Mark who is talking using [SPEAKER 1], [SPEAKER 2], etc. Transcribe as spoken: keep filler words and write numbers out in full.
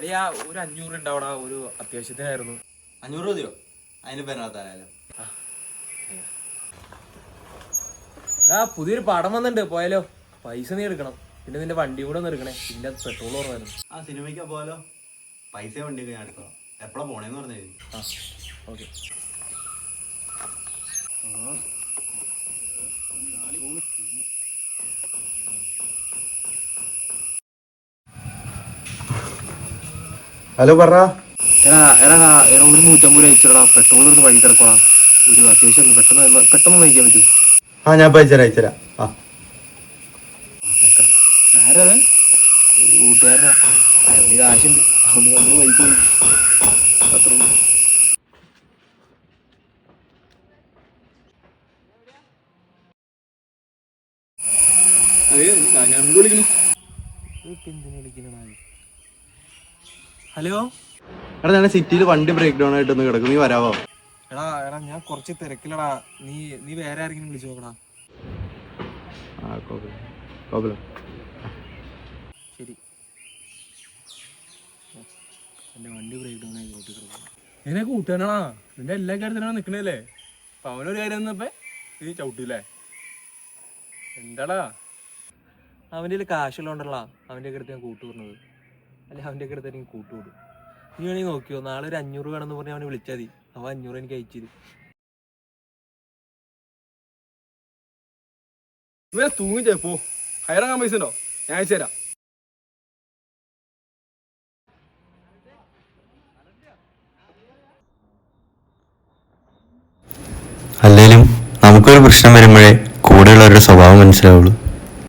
[SPEAKER 1] അല്ലയാ ഒരു അഞ്ഞൂറ് ഉണ്ടാവടാ, ഒരു അത്യാവശ്യത്തിനായിരുന്നു.
[SPEAKER 2] അഞ്ഞൂറ് മതിയോ? അതിന് പെരുന്നാത്തായാലും
[SPEAKER 1] ആ പുതിയൊരു പടം വന്നിട്ടുണ്ട്, പോയാലോ? പൈസ നീ എടുക്കണം, പിന്നെ നിന്റെ വണ്ടി കൂടെ ഒന്ന് എടുക്കണേ, ഇതിന്റെ പെട്രോൾ കുറവായിരുന്നു.
[SPEAKER 2] ആ സിനിമയ്ക്ക് പോയാലോ? പൈസ വണ്ടിയൊക്കെ ഞാൻ എടുക്കണം. എപ്പോഴാ പോണേന്ന് പറഞ്ഞാൽ
[SPEAKER 1] ആ ഓക്കെ.
[SPEAKER 2] ഹലോ പറ.
[SPEAKER 1] എടാ എടാ എടാ ഒരു നൂറ്റമ്പത് രൂപ അയച്ചിടാ, പെട്രോൾ ഒന്ന് വഴി കിടക്കോടാ. ഒരു അത്യാവശ്യം പെട്ടെന്ന് പെട്ടെന്ന് നയിക്കാൻ പറ്റൂ?
[SPEAKER 2] ആ ഞാൻ അയച്ചുതരാം അയച്ചുതരാം. ആ
[SPEAKER 1] ആരാ? ഒരു കൂട്ടുകാരനാ, അവന് കാശുണ്ട്, അവന് നമ്മൾ പൈസ പോയി അത്ര. ഹലോ
[SPEAKER 2] എടാ, ഞാൻ സിറ്റിയിൽ വണ്ടി ബ്രേക്ക് ഡൗൺ ആയിട്ട് ഒന്ന് കിടക്കും, നീ വരാവോ?
[SPEAKER 1] എടാ എടാ ഞാൻ കുറച്ച് തിരക്കിലടാ, നീ നീ വേറെ ആരെങ്കിലും വിളിച്ചു നോക്കടാ.
[SPEAKER 2] ആ കുഴപ്പമില്ല കുഴപ്പമില്ല.
[SPEAKER 1] ശരി. എൻ്റെ വണ്ടി ബ്രേക്ക് ഡൗൺ ആയി റോട്ടിൽ കിടക്കും. എന്നെ കൂട്ടാനാണാ, നിന്റെ എല്ലാ കാര്യത്തിനാണ് നിൽക്കണല്ലേ. അപ്പം അവനൊരു കാര്യം വന്നപ്പോ നീ ചവിട്ടൂലേ? എന്താടാ? അവൻ്റെ കയ്യിൽ കാശുള്ളതുകൊണ്ടല്ല അവൻ്റെ ഒക്കെ അടുത്ത് ഞാൻ കൂട്ടു പറഞ്ഞത്, അല്ലെ അവൻ്റെ ഒക്കെ അടുത്ത് എനിക്ക് കൂട്ടുകൂടും. നീ വേണമെങ്കിൽ നോക്കിയോ, നാളെ ഒരു അഞ്ഞൂറ് വേണമെന്ന് പറഞ്ഞ് അവനെ വിളിച്ചാൽ മതി, അവൻ അഞ്ഞൂറ് എനിക്ക് അയച്ചിരും.
[SPEAKER 3] ഇവരെ തൂങ്ങിച്ചേ പോ. ഹയറാകാൻ പൈസ ഉണ്ടോ? ഞാൻ അയച്ചു തരാം.
[SPEAKER 4] അല്ലേലും നമുക്കൊരു പ്രശ്നം വരുമ്പോഴേ കൂടെയുള്ളവരുടെ സ്വഭാവം മനസ്സിലാവുള്ളൂ.